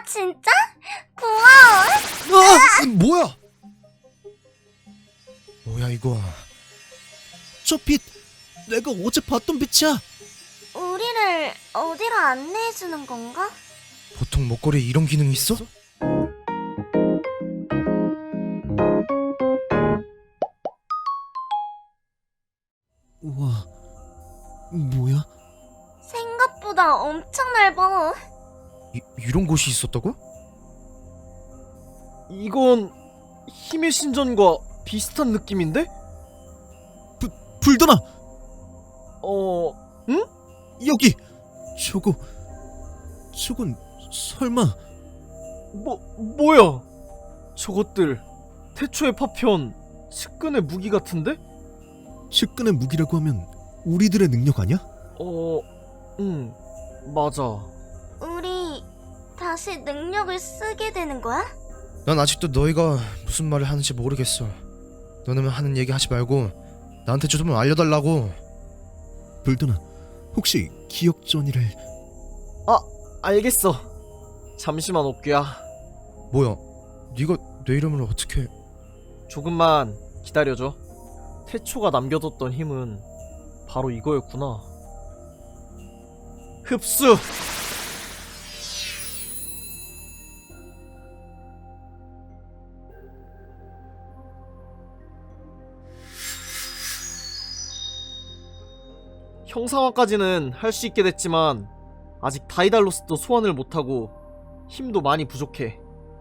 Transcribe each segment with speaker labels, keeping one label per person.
Speaker 1: 진짜? 고마워.
Speaker 2: 뭐야? 뭐야 이거? 저 빛 내가 어제 봤던 빛이야.
Speaker 1: 우리를 어디로 안내해주는 건가?
Speaker 2: 보통 목걸이에 이런 기능이 있어? 우와, 뭐야?
Speaker 1: 생각보다 엄청 넓어.
Speaker 2: 이런 곳이 있었다고?
Speaker 3: 이건 힘의 신전과 비슷한 느낌인데?
Speaker 2: 불더나!
Speaker 3: 응?
Speaker 2: 여기! 저건 설마...
Speaker 3: 뭐야? 저것들 태초의 파편, 측근의 무기 같은데?
Speaker 2: 측근의 무기라고 하면 우리들의 능력 아니야?
Speaker 3: 응, 맞아.
Speaker 1: 우리 다시 능력을 쓰게 되는 거야?
Speaker 2: 난 아직도 너희가 무슨 말을 하는지 모르겠어. 너네만 하는 얘기 하지 말고 나한테 좀 알려달라고. 불더나, 혹시 기억전이를...
Speaker 3: 알겠어. 잠시만 옥규야.
Speaker 2: 뭐야? 네가 내 이름을 어떻게...
Speaker 3: 조금만 기다려줘. 태초가 남겨뒀던 힘은 바로 이거였구나. 흡수! 형상화까지는 할 수 있게 됐지만 아직 다이달로스도 소환을 못하고 힘도 많이 부족해.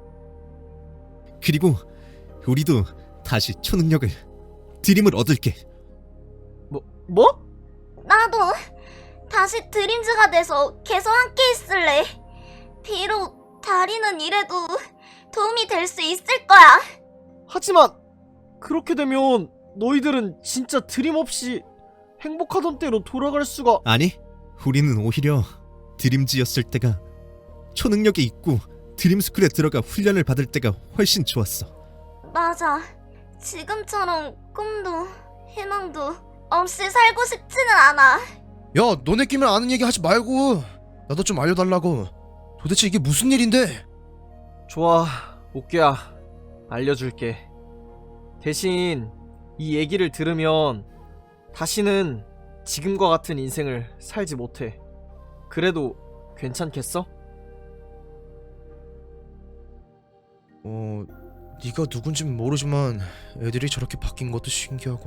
Speaker 4: 그리고 우리도 다시 초능력을 드림을 얻을게.
Speaker 3: 뭐?
Speaker 1: 나도 다시 드림즈가 돼서 계속 함께 있을래. 비록 다리는 이래도 도움이 될 수 있을 거야.
Speaker 3: 하지만 그렇게 되면 너희들은 진짜 드림 없이 행복하던 때로 돌아갈 수가...
Speaker 4: 아니, 우리는 오히려 드림즈였을 때가 초능력이 있고 드림스쿨에 들어가 훈련을 받을 때가 훨씬 좋았어.
Speaker 1: 맞아. 지금처럼 꿈도 희망도 없이 살고 싶지는 않아.
Speaker 2: 야, 너네끼리 아는 얘기 하지 말고 나도 좀 알려달라고. 도대체 이게 무슨 일인데?
Speaker 3: 좋아, 옥규야. 알려줄게. 대신 이 얘기를 들으면 다시는 지금과 같은 인생을 살지 못해. 그래도 괜찮겠어?
Speaker 2: 네가 누군진 모르지만 애들이 저렇게 바뀐 것도 신기하고.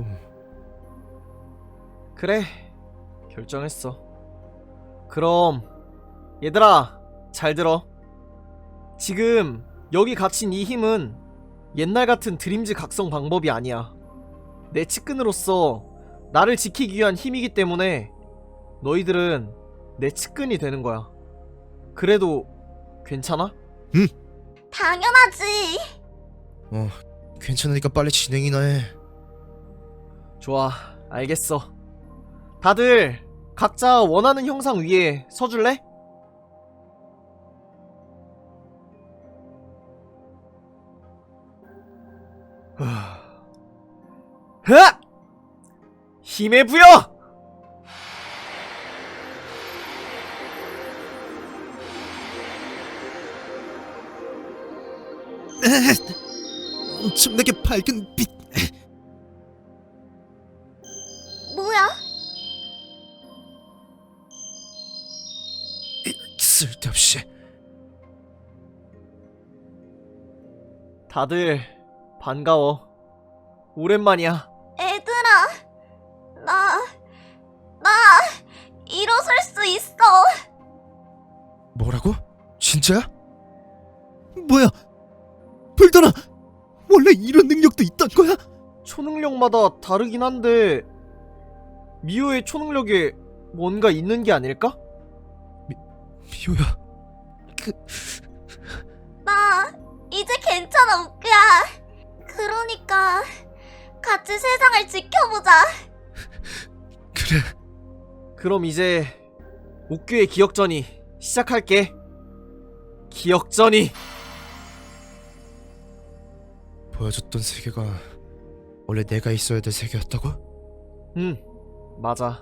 Speaker 3: 그래, 결정했어. 그럼 얘들아, 잘 들어. 지금 여기 갇힌 이 힘은 옛날 같은 드림즈 각성 방법이 아니야. 내 측근으로서 나를 지키기 위한 힘이기 때문에 너희들은 내 측근이 되는 거야. 그래도 괜찮아?
Speaker 1: 당연하지.
Speaker 2: 괜찮으니까 빨리 진행이나 해.
Speaker 3: 좋아, 알겠어. 다들 각자 원하는 형상 위에 서줄래? 흐! 힘의 부여!
Speaker 4: 엄청나게 밝은 빛.
Speaker 1: 뭐야?
Speaker 2: 쓸데없이.
Speaker 3: 다들 반가워. 오랜만이야.
Speaker 1: 애들아, 나 일어설 수 있어.
Speaker 2: 뭐라고? 진짜야?
Speaker 4: 뭐야? 불더나, 원래 이런 능력도 있던 거야?
Speaker 3: 초능력마다 다르긴 한데 미호의 초능력에 뭔가 있는 게 아닐까?
Speaker 2: 미호야.
Speaker 1: 나 이제 괜찮아, 옥규야. 그러니까 같이 세상을 지켜보자.
Speaker 2: 그래.
Speaker 3: 그럼 이제 옥규의 기억전이 시작할게. 기억전이.
Speaker 2: 보여줬던 세계가 원래 내가 있어야 될 세계였다고?
Speaker 3: 응, 맞아.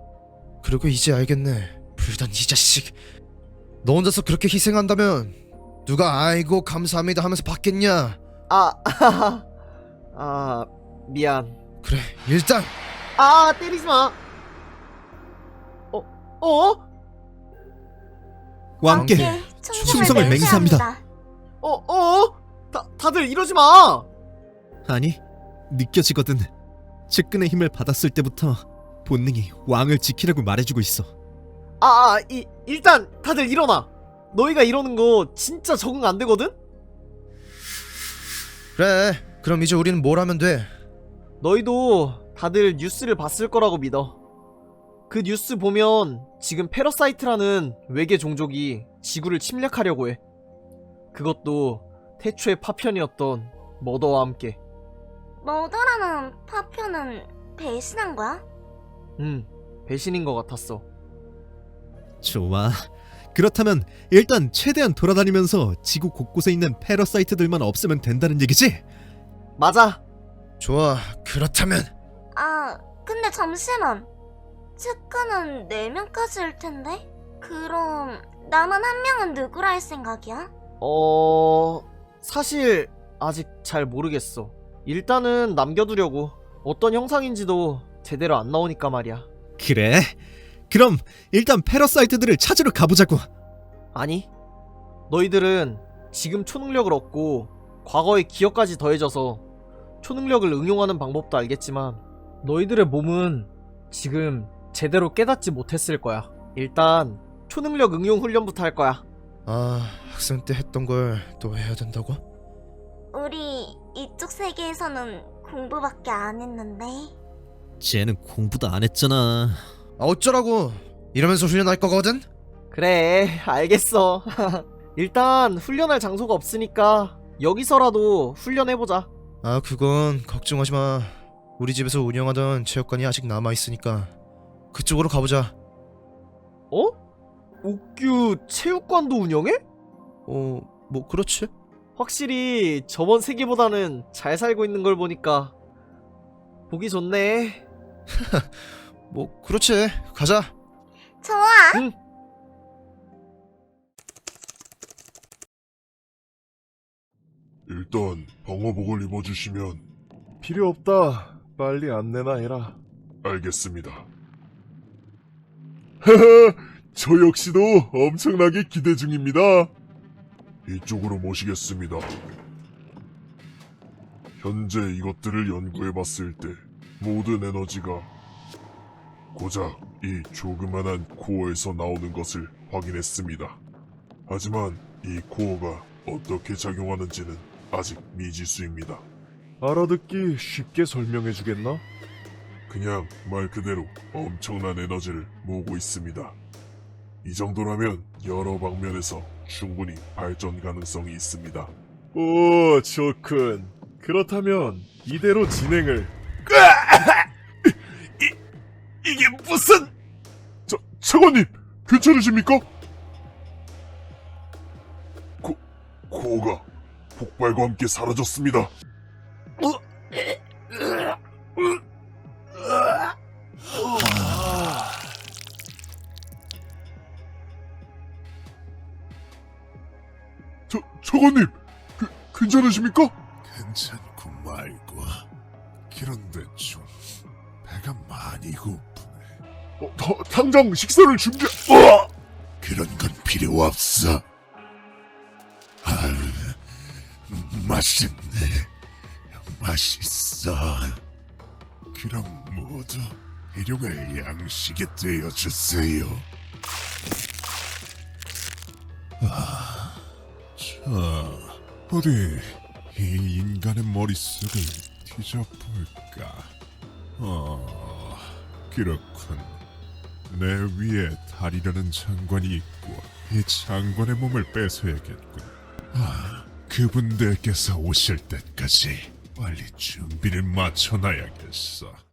Speaker 2: 그리고 이제 알겠네. 불단 이 자식. 너 혼자서 그렇게 희생한다면 누가 아이고 감사합니다 하면서 받겠냐?
Speaker 3: 아, 미안.
Speaker 2: 그래 일단
Speaker 3: 때리지 마. 어?
Speaker 4: 왕께 충성을 맹세합니다.
Speaker 3: 다들 이러지 마.
Speaker 4: 아니, 느껴지거든. 측근의 힘을 받았을 때부터 본능이 왕을 지키라고 말해주고 있어.
Speaker 3: 일단 다들 일어나. 너희가 이러는 거 진짜 적응 안 되거든?
Speaker 2: 그래 그럼 이제 우리는 뭘 하면 돼?
Speaker 3: 너희도 다들 뉴스를 봤을 거라고 믿어. 그 뉴스 보면 지금 패러사이트라는 외계 종족이 지구를 침략하려고 해. 그것도 태초의 파편이었던 머더와 함께.
Speaker 1: 머더라는 파편은 배신한 거야?
Speaker 3: 배신인 것 같았어.
Speaker 4: 좋아. 그렇다면 일단 최대한 돌아다니면서 지구 곳곳에 있는 패러사이트들만 없애면 된다는 얘기지?
Speaker 3: 맞아.
Speaker 2: 좋아 그렇다면
Speaker 1: 근데 잠시만. 측근은 4명까지일 텐데? 그럼 남은 1명은 누구라 할 생각이야?
Speaker 3: 사실 아직 잘 모르겠어. 일단은 남겨두려고. 어떤 형상인지도 제대로 안 나오니까 말이야.
Speaker 4: 그래. 그럼 일단 패러사이트들을 찾으러 가보자고.
Speaker 3: 아니, 너희들은 지금 초능력을 얻고 과거의 기억까지 더해져서 초능력을 응용하는 방법도 알겠지만 너희들의 몸은 지금 제대로 깨닫지 못했을 거야. 일단 초능력 응용 훈련부터 할 거야.
Speaker 2: 학생 때 했던 걸 또 해야 된다고?
Speaker 1: 우리 이쪽 세계에서는 공부밖에 안 했는데.
Speaker 4: 쟤는 공부도 안 했잖아.
Speaker 2: 어쩌라고 이러면서 훈련할 거거든?
Speaker 3: 그래, 알겠어. 일단 훈련할 장소가 없으니까 여기서라도 훈련해보자.
Speaker 2: 그건 걱정하지 마. 우리 집에서 운영하던 체육관이 아직 남아있으니까 그쪽으로 가보자.
Speaker 3: 옥규 체육관도 운영해?
Speaker 2: 뭐 그렇지?
Speaker 3: 확실히 저번 세기보다는 잘 살고 있는 걸 보니까 보기 좋네.
Speaker 2: 뭐 그렇지. 가자.
Speaker 1: 좋아.
Speaker 3: 응.
Speaker 5: 일단 방어복을 입어주시면.
Speaker 6: 필요 없다. 빨리 안내나 해라.
Speaker 5: 알겠습니다. 하하, 저 역시도 엄청나게 기대 중입니다. 이쪽으로 모시겠습니다. 현재 이것들을 연구해봤을 때 모든 에너지가 고작 이 조그만한 코어에서 나오는 것을 확인했습니다. 하지만 이 코어가 어떻게 작용하는지는 아직 미지수입니다.
Speaker 6: 알아듣기 쉽게 설명해 주겠나?
Speaker 5: 그냥 말 그대로 엄청난 에너지를 모으고 있습니다. 이 정도라면 여러 방면에서 충분히 발전 가능성이 있습니다.
Speaker 6: 오, 좋군. 그렇다면 이대로 진행을.
Speaker 5: 이게 무슨... 차관님, 괜찮으십니까? 코어가 폭발과 함께 사라졌습니다. 차관님, 괜찮으십니까?
Speaker 7: 괜찮고 말고. 그런데 좀 배가 많이 고프네.
Speaker 5: 당장 식사를 준비...
Speaker 7: 그런 건 필요 없어. 맛있네. 맛있어. 그럼 모두 일용할 양식이 되어주세요. 자, 어디 이 인간의 머릿속을 뒤져볼까? 그렇군. 내 위에 달이라는 장관이 있고 이 장관의 몸을 뺏어야겠군. 그분들께서 오실 때까지 빨리 준비를 마쳐놔야겠어.